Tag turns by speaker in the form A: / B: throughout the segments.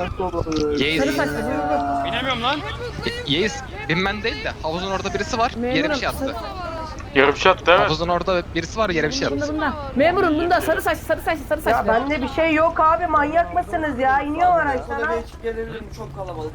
A: Yeğiz.
B: Sarı saçlı.
C: Binemiyorum lan.
A: Yeğiz binmen değil de havuzun orada birisi var. Yere bir şey attı.
C: Yarım şey attı evet.
A: Havuzun orada birisi var, yere bir şey attı.
B: Bunda. Memurum bunda sarı saçlı.
D: Ya bende bir şey yok abi, manyak mısınız ya? İniyor araçtan ha.
E: Gelebilirim, çok kalabalık.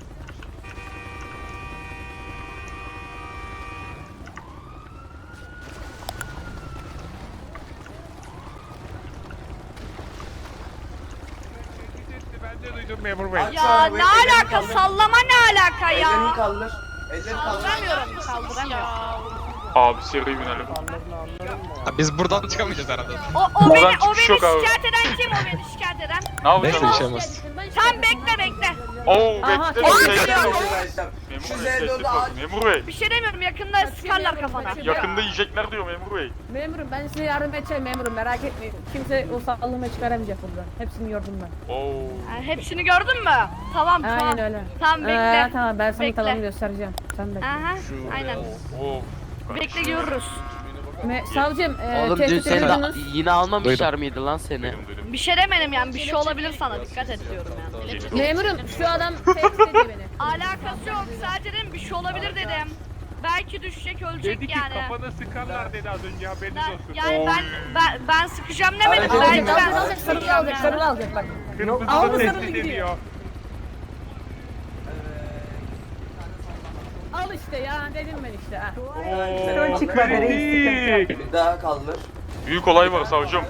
C: Ben de duydum memur bey.
F: Ya ne alaka, sallama ne alaka
E: Ellerini
F: ya?
E: kaldır. Ellerini kaldır.
F: Kaldıramıyorum.
C: Abi seri binelim.
A: Ha, biz buradan çıkamayacağız herhalde.
F: O
C: Buradan
F: beni
C: çıkış yok abi.
F: şikayet eden kim? O beni şikayet eden.
C: Ne yapacağız?
A: Neyse bir şey olmaz.
F: Sen bekle.
C: Oo
B: Aha,
C: bekle.
F: tamam.
C: Memur
E: Şu
C: bey,
E: Z4'ü
C: tehdit
E: aç.
C: var. Memur bey.
F: Bir şey demiyorum, yakında sıkarlar kafana.
C: Yakında yiyecekler diyor memur bey.
B: Memurum ben size yardım edeceğim memurum, merak etmeyin. Kimse o sağlığıma çıkaramayacak buradan. Hepsini gördüm ben.
C: Oo.
F: Ha, hepsini gördün mü? Tamam.
B: Aynen öyle.
F: Tamam bekle.
B: Tamam ben sana
F: Bekle.
B: tavanı göstereceğim. Sen bekle.
F: Aha, aynen.
C: Oo.
F: Bekle görürüz.
B: Savcım
G: Oğlum dün
B: tehdit
G: seni
B: ediyordunuz.
G: yine almamışlar mıydı lan seni?
C: Duydum.
F: Bir şey demedim yani, bir şey olabilir sana, dikkat et diyorum yani.
B: Memurum şu adam tehdit ediyor beni.
F: Alakası yok, sadece dedim bir şey olabilir dedim. Belki düşecek, ölecek
C: Dedi ki
F: yani.
C: kafana sıkarlar dedi az önce haberiniz
F: Ben,
C: olsun.
F: yani ben sıkacağım demedim.
E: Aracı
F: Belki ben
B: Alacak, sarılı alacak bak.
C: Kırmızı
B: Aldı
C: da
B: sarılı
C: tehdit
B: gidiyor.
C: ediyor.
B: Al işte ya, dedim ben işte ha.
D: Ön çıkmadı reis, sıkıntı yok.
E: Bir daha kaldır.
C: Büyük olay var savcım.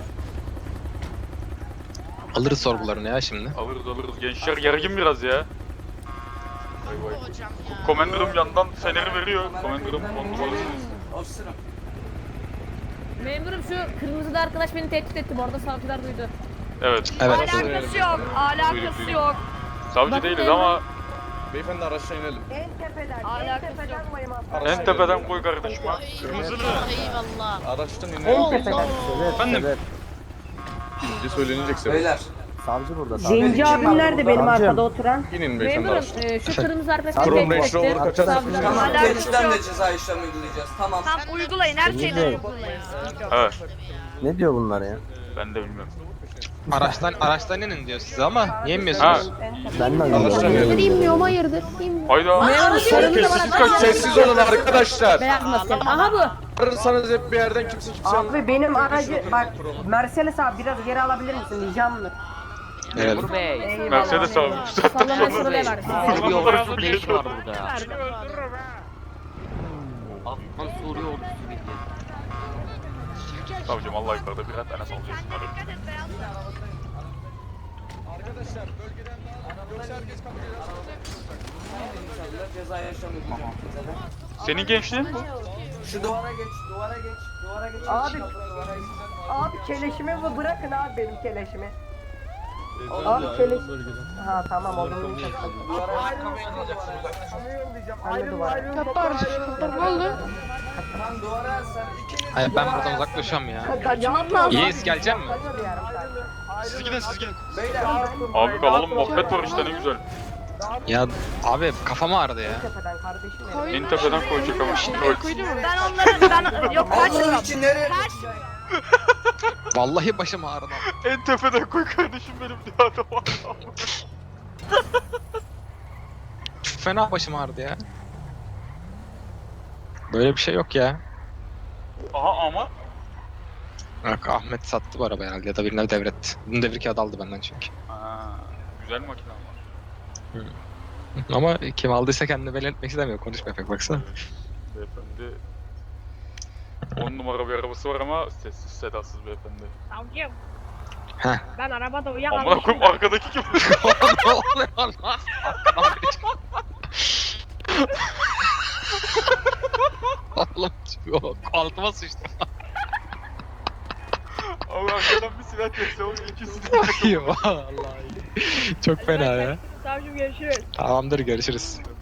A: Alırız sorgularını ya şimdi.
C: Alırız. Gençler gergin biraz ya. Vay vay. Komandanım yandan feneri veriyor. Komandanım 10 numarasınız.
E: Ofisirim.
B: Memurum şu kırmızıda arkadaş beni tehdit etti, bu arada savcılar duydu.
C: Evet.
A: Evet.
F: alakası yok, alakası yok.
C: Savcı
B: Bakın
C: değiliz
B: memur.
C: ama
H: Beyefendi araçtan inelim.
D: En tepeden,
F: Alakası
D: en tepeden
F: yok.
D: koyayım
C: en tepeden koy kardeşim ha. Kırmızılı.
H: Araçtan inelim.
D: En tepeden.
C: Efendim.
H: Birinci söylenecekse.
E: Beyler.
D: Zenci abim nerede benim arkada oturan?
H: İnin beyefendi
B: Memurum
H: araçtan.
B: şu kırmızı arkadaş
H: Chrome
B: beni
H: Range
B: tehdit
H: Rover
B: etti.
H: kaçar
B: Savcılar
H: mısınız?
E: Tamam,
F: Alakası
E: gençten
F: yok.
E: de ceza işlemi uygulayacağız. Tamam.
F: Tam uygulayın, her şeyden uygulayın.
C: Evet.
I: Ne diyor bunlar ya?
C: Ben de bilmiyorum.
A: Araçtan inin diyor size ama niye
C: Ha.
A: inmiyorsunuz?
I: Ben de
H: Araçtan inelim.
B: İnmiyorum, hayırdır?
C: Hayda.
H: Sessiz kaç, sessiz olun arkadaşlar.
B: Beyaz maskeli. Aha bu.
H: Ararsanız hep bir yerden kimse
D: Abi benim aracı, bak Mercedes abi biraz geri alabilir misin ricamdır?
G: Memur Bey.
D: Eyvallah.
C: Mercedes abi.
B: Sallama sırrı var.
G: Suriye ordusu ne işi var burada ya? Afgan Suriye ordusu bildi.
C: Savcım Allah yukarıda birer tane salacağız.
F: Dikkat et, beyaz.
E: İnşallah ceza işlemi uygulayacağız.
C: Senin gençliğin mi?
E: Şu duvara geç, duvara geç, duvara geç.
D: Abi.
E: Duvara geç.
D: Abi keleşimi bırakın abi benim keleşimi. Abi keleş. Ha tamam olur.
E: Duvara ayakkabıyı alacaksın uzak.
D: Anne duvara.
F: Ne oldu?
E: Tamam duvara sen ikiniz.
A: Hayır ben buradan uzaklaşıyorum ya.
B: Kaçmak lazım.
A: Yeğiz gelecek mi?
C: Siz gidin siz gidin.
E: Beyler.
C: Abi kalalım muhabbet var işte ne güzel.
A: Ya abi kafam ağrıdı ya.
D: Tepeden kardeşim.
C: En tepeden koyacak ama şimdi
F: Ben onların, yok
E: Allah
F: kaçmıyorum.
E: için nereye?
A: Vallahi başım ağrıdı.
C: En tepeden koy kardeşim benim diye adam var.
A: Çok fena başım ağrıdı ya. Böyle bir şey yok ya.
C: Aha ama.
A: Bak Ahmet sattı bu arabayı herhalde ya da birine devretti. Bunun devir kağıdı aldı benden çünkü.
C: Ha, güzel makine ama.
A: Ama kim aldıysa kendini belli etmek istemiyor. Konuşmaya pek baksana.
C: Beyefendi 10 numara bir arabası var ama sessiz sedasız beyefendi.
F: Savcım.
A: Heh.
F: Ben arabada
C: Amına
F: uyuyakalmışım.
C: koyayım arkadaki kim?
A: Ne oluyor lan? Arkadan biri çıktı. Oğlum yok, altıma sıçtı.
C: Abi arkadan bir silah kesse o ikisi de.
A: Vallahi. Çok fena ya.
F: Savcım görüşürüz.
A: Tamamdır görüşürüz.